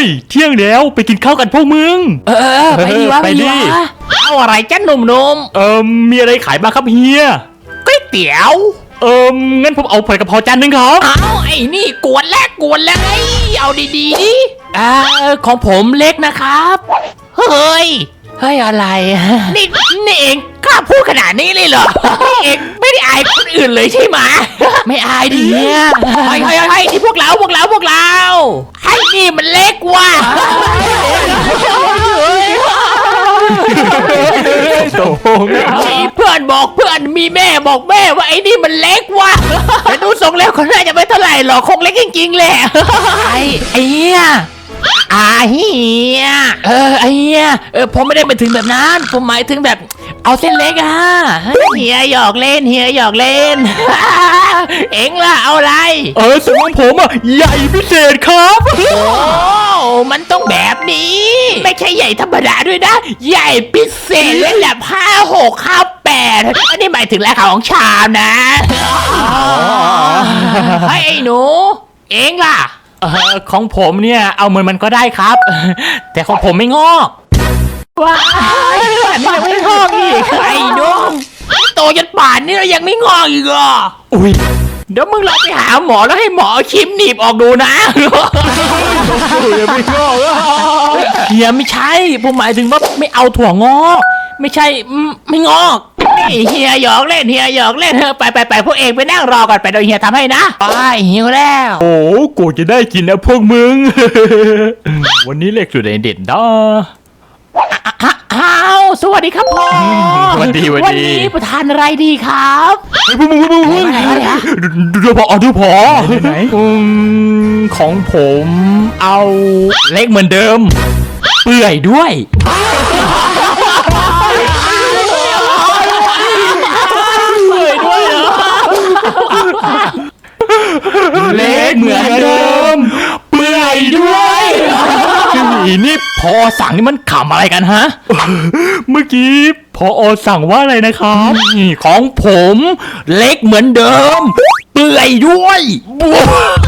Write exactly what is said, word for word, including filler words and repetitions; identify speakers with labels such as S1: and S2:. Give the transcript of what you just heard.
S1: ยเที่ยงแล้วไปกินข้าวกันพวกมึง
S2: เออไปดีวะ
S1: ไปดิ
S2: เอาอะไรจ้าหนุ่ม
S1: เอิมมีอะไรขายบ้างครับเฮีย
S2: ๆก๋วยเตี๋ยว
S1: เอิมงั้นผมเอาผัดกะเพราจานหนึงครับ
S2: เอาไอ้นี่กวนแรกกวนแล้วไงเอาดีๆดิอ่าของผมเล็กนะครับเฮ้ยเฮ้ยอะไรนี่นี่เองกล้าพูดขนาดนี้เลยเหรอนี่เองไม่ได้อายคนอื่นเลยใช่ไหมไม่อายดิเนี่ยเฮ้ยเฮ้ยเฮ้ยนี่พวกเราพวกเราพวกเราไอ้นี่มันเล็กว่ะ
S1: โตง
S2: มีเพื่อนบอกเพื่อนมีแม่บอกแม่ว่าไอ้นี่มันเล็กว่ะแต่ดูทรงแล้วเขาน่าจะไม่เท่าไหร่หรอกคงเล็กจริงๆแหละไอ้ไอ้เหี้ยอาเฮียเออไอ้เฮียเออผมไม่ได้ไปถึงแบบนั้นผมหมายถึงแบบเอาเส้นเล็กอะเฮียหยอกเล่นเฮียหยอกเล่น เอ็งล่ะเอาอะไร
S1: เออส่วนของผมอ่ะใหญ่พิเศษครับ
S2: โอ้มันต้องแบบนี้ ไม่ใช่ใหญ่ธรรมดาด้วยนะ ใหญ่พิเศษเลยแหละห้าหกข้าแปดอันนี้หมายถึงราคาของชามนะเฮ้ยไอ้หนู เอ็งล่ะ
S1: เออของผมเนี่ยเอาเหมือนมันก็ได้ครับ แต่ของผมไม่งอก
S2: ว้ายอันนี้ยังไม่งอกอีกไอ้หนุ่มโตจนป่านนี้แล้วยังไม่งอกอีกเหรอ
S1: อุ้ย
S2: เดี๋ยวมึงลองไปหาหมอแล้วให้หมอเอาชิมหนีบออกดูนะ
S1: ยังไม่งอก
S2: เฮียไม่ใช่ผมหมายถึงว่าไม่เอาถั่วงอกไม่ใช่อืมไม่งอกนี่เฮียหยอกเล่นเฮียหยอกเล่นเถอะไปไปไปพวกเองไปนั่งรอก่อนไปเดี๋ยวเฮียทำให้นะไปหิวแล้ว
S1: โอ้กูจะได้กินนะพวกมึง วันนี้เลขสุดเด่นๆนะ
S2: อ้าวสวัสดีครับพ่อ
S1: สวัสดีสวัสดี
S2: วันนี้ประทานอะไรดีครับ
S1: เฮ้ยพวกมึงพวกมึงพวกมึง
S2: ไหนวะเนี่ย
S1: ดูดูดูพอดูพอไหนอืมของผมเอาเล็กเหมือนเดิม เปื่อยด้วย เล็กเหมือนเดิม เปื่อยด้วยอีนี่พอสั่งนี่มันขำอะไรกันฮะ เมื่อกี้พออสั่งว่าอะไรนะครับนี่ของผมเล็กเหมือนเดิม เปื่อยด้วย